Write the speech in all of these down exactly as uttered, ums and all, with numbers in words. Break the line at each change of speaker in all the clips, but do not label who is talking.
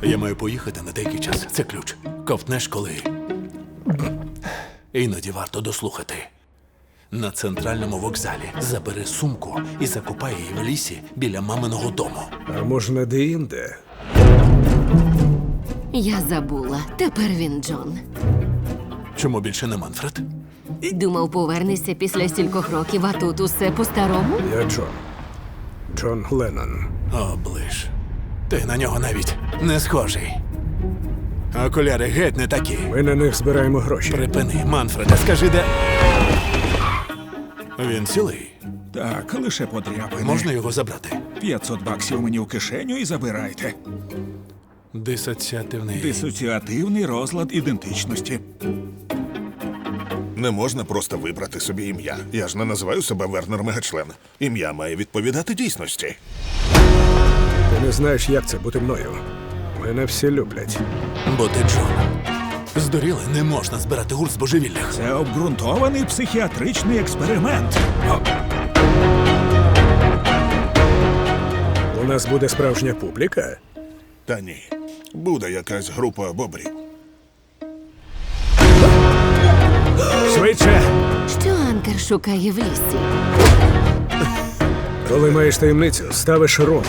Я маю поїхати на деякий час. Це ключ. Ковтнеш коли. Іноді варто дослухати. На центральному вокзалі забери сумку і закопай її в лісі біля маминого дому.
А можна де-інде?
Я забула. Тепер він Джон.
Чому більше не Манфред?
Думав, повернешся після стількох років, а тут усе по-старому?
Я Джон. Джон Леннон.
Оближ. Ти на нього навіть не схожий. Окуляри геть не такі.
Ми на них збираємо гроші.
Припини, Манфреде, скажи, де. Він цілий.
Так, лише подряпини.
Можна його забрати?
п'ятсот баксів мені в кишеню і забирайте.
Дисоціативний.
Дисоціативний розлад ідентичності.
Не можна просто вибрати собі ім'я. Я ж не називаю себе Вернер Мегачлен. Ім'я має відповідати дійсності.
Ти не знаєш, як це бути мною. Мене всі люблять.
Бо ти Джон. Здуріли, не можна збирати гурт з божевіллях.
Це обґрунтований психіатричний експеримент. О,
У нас буде справжня публіка.
Та ні. Буде якась група бобрів.
Швидше!
Що Анкер шукає в лісі?
Коли маєш таємницю, ставиш рому.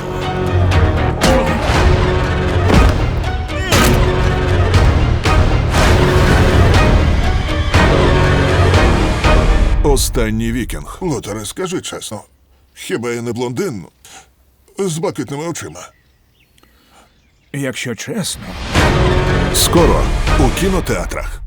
Останній вікінг. Лотере, скажи чесно. Хіба я не блондин з блакитними очима?
якщо чесно.
Скоро у кінотеатрах.